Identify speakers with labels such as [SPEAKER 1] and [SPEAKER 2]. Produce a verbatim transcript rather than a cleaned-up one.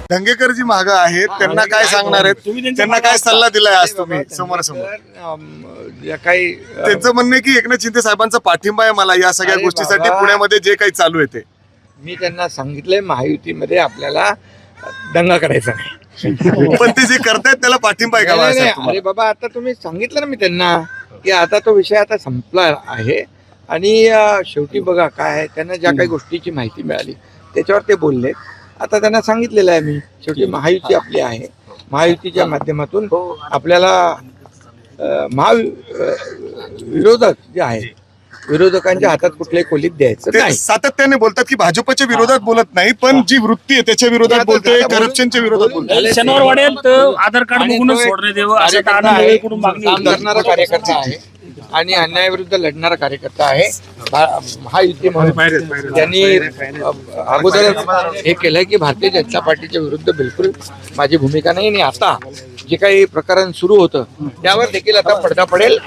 [SPEAKER 1] दंगेकर जी मागं आहेत त्यांना काय सांगणार आहेत, त्यांना काय सल्ला दिलाय आज तुम्ही समोर समोर?
[SPEAKER 2] काही
[SPEAKER 1] त्यांचं म्हणणं आहे की एकनाथ शिंदे साहेबांचा पाठिंबा आहे मला या सगळ्या
[SPEAKER 2] अरे
[SPEAKER 1] गोष्टीसाठी,
[SPEAKER 2] बाबा.
[SPEAKER 1] पुण्यामध्ये जे काही चालू आहे ते.
[SPEAKER 2] मी त्यांना सांगितलंय महायुतीमध्ये आपल्याला दंगा करायचा नाही.
[SPEAKER 1] पण ते जे करतायत त्याला पाठिंबा आहे का
[SPEAKER 2] नाही, नाही,
[SPEAKER 1] बाळासाहेब
[SPEAKER 2] नाही.
[SPEAKER 1] तुम्हाला?
[SPEAKER 2] अरे बाबा, आता तुम्ही सांगितलं ना मी त्यांना की आता तो विषय आता संपला आहे आणि अं, शेवटी बघा काय आहे, त्यांना ज्या काही गोष्टीची माहिती मिळाली त्याच्यावर ते बोलले. आता त्यांना सांगितलेलं आहे मी, शेवटी महायुती आपली आहे, महायुतीच्या माध्यमातून आपल्याला अं, महा अं, विरोधक जे आहे विरोधकांच्या हातात कुठल्याही खोलीत द्यायचं
[SPEAKER 1] ते
[SPEAKER 2] नाही.
[SPEAKER 1] सातत्याने बोलतात की भाजपच्या विरोधात बोलत नाही, पण जी वृत्ती आहे त्याच्या विरोधात बोलतोय, करप्शनच्या विरोधात बोलतोय.
[SPEAKER 3] शनिवार वाड्यात आधार कार्ड
[SPEAKER 2] आणि
[SPEAKER 3] बघूनच
[SPEAKER 2] तो एक
[SPEAKER 3] सोडण्यात यावं असं
[SPEAKER 2] कार्यकर्ता
[SPEAKER 3] आनंद
[SPEAKER 2] आहे,
[SPEAKER 3] वेळेकडून मागणी
[SPEAKER 2] काम
[SPEAKER 3] होती.
[SPEAKER 2] करणारा कार्यकर्ता आहे आणि अन्यायाविरुद्ध लढणारा कार्यकर्ता आहे. भा- महायुती म्हणून त्यांनी अ, अगोदरच हे केलंय की भारतीय जनता पार्टीच्या विरुद्ध बिलकुल माझी भूमिका नाही. आणि आता जे काही प्रकरण सुरू होतं त्यावर देखील आता पडदा पडेल.